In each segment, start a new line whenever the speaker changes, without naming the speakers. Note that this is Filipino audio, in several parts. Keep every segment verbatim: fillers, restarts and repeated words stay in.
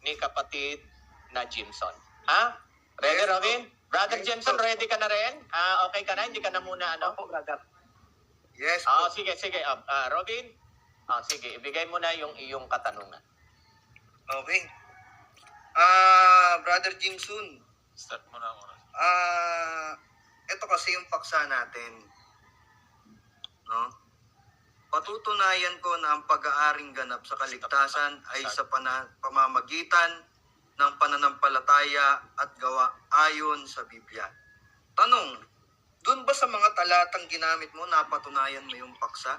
ni kapatid na Jimson. Ha? Ready, Robin? Brother
Yes,
Jimson,
po.
ready ka na rin? Ah, okay ka na? Hindi ka na muna, ano?
Opo, brother.
Yes
Ah,
po.
sige, sige. Ah, ah, Robin? Ah, sige, ibigay mo na yung iyong katanungan.
Okay. Ah, Brother Jimson.
Start mo na oras.
Ah, ito kasi yung paksa natin. No? Patutunayan ko na ang pag-aaring ganap sa kaligtasan ay sa pana- pamamagitan ng pananampalataya at gawa ayon sa Biblia. Tanong, dun ba sa mga talatang ginamit mo, napatunayan mo yung paksa?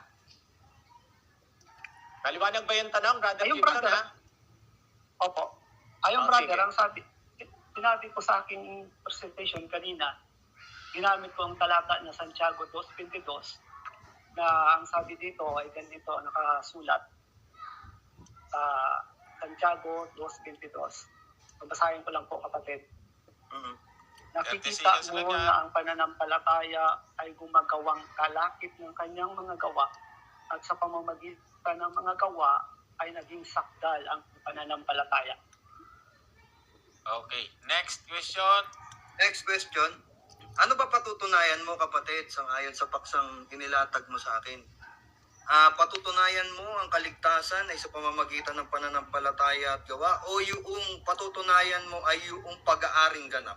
Maliwanag ba yung tanong, Brother
Ayun,
Jimson,
brother.
ha?
Opo. Ayun,
Oh,
brother,
sige.
ang sabi, sinabi ko sa aking presentation kanina, ginamit ko ang talata na Santiago two twenty-two na ang sabi dito ay ganito nakasulat sa Santiago two twenty-two. Babasahin ko lang po, kapatid.
Mhm.
Nakikita mo na ang pananampalataya ay gumagawang kalakip ng kanyang mga gawa at sa pamamagitan ng mga gawa ay naging sakdal ang pananampalataya.
Okay. Next question.
Next question. Ano ba patutunayan mo, kapatid, sangayon sa paksang inilatag mo sa akin? Ah, patutunayan mo ang kaligtasan ay sa pamamagitan ng pananampalataya at gawa o yung patutunayan mo ay yung pag-aaring ganap?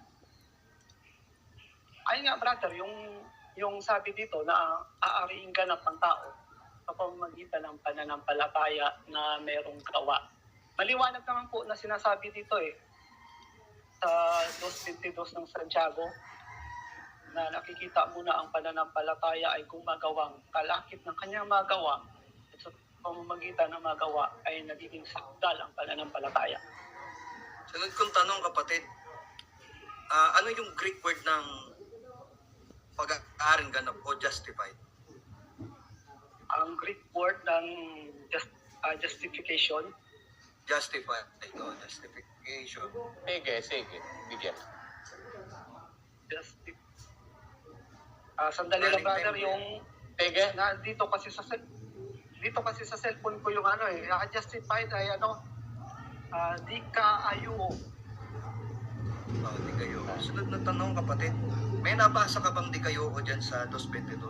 Ay nga, brother, yung yung sabi dito na aariing ganap ng tao sa pamamagitan ng pananampalataya na mayroong gawa. Maliwanag naman po na sinasabi dito eh sa two twenty-two ng Santiago na nakikita mo na ang pananampalataya ay gumagawang kalakip ng kanyang mga gawa at sa pamamagitan ng mga gawa ay nagiging sakdal ang pananampalataya.
Sunod kong tanong, kapatid. Ah, ano yung Greek word ng pag-aaring ganap o justified?
Ang Greek word ng just, uh, justification,
Justified. Ito, justification.
Sige, sige. Bigyan.
justif Ah, sandali lang,
Running
brother,
time,
yung
Sige.
na dito kasi sa cell- dito kasi sa cellphone ko yung ano eh, ah, justified ay ano, ah, di ka ayo.
Oh, di kayo. Sunod na tanong, kapatid. May nabasa ka bang di kayo o dyan sa two twenty-two?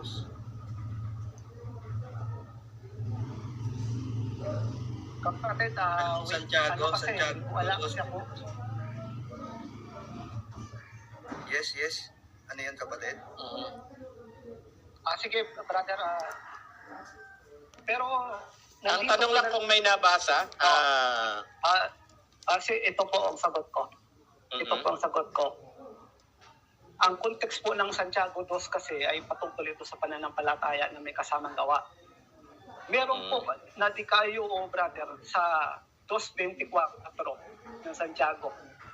Kapatid, ah, wait,
Santiago,
ano kasi,
Santiago.
wala kasi ako.
Yes, yes. Ano yan, kapatid?
Mhm.
Ah, sige, brother, ah, pero
Ang
nandito
tanong
po
lang
na-
kung may nabasa. Ah,
ah, ah, si, ito po ang sagot ko. Ito
mhm.
po ang sagot ko. Ang context po ng Santiago two kasi ay patungkol ito sa pananampalataya na may kasamang gawa. Meron
Mm.
po na di kayo, oh, brother, sa two twenty-four ng Santiago.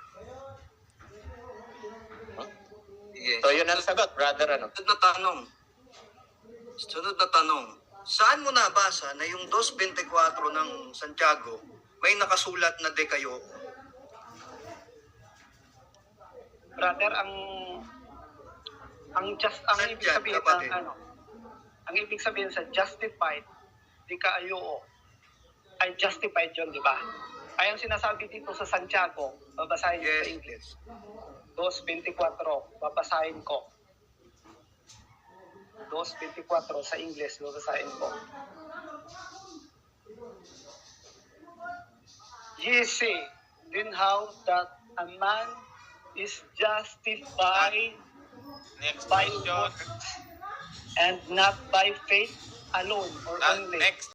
Yes.
So, yun ang sagot, brother. Ano?
Sunod na tanong. Sunod na tanong. Saan mo nabasa na yung two twenty-four ng Santiago may nakasulat na de kayo?
Brother, ang ang just ang
Saan
ibig
yan,
sabihin
kapatid?
ng ano, ang ibig sabihin sa justified, di kayo, oh, ay justified yun, di ba? Ay ang sinasabi dito sa Santiago, babasahin ko
Yes.
sa English. two twenty-four, babasahin ko. two twenty-four sa English, babasahin ko. Ye say, then how that a man is justified
Next
by
question.
works and not by faith alone or
Ah,
only.
next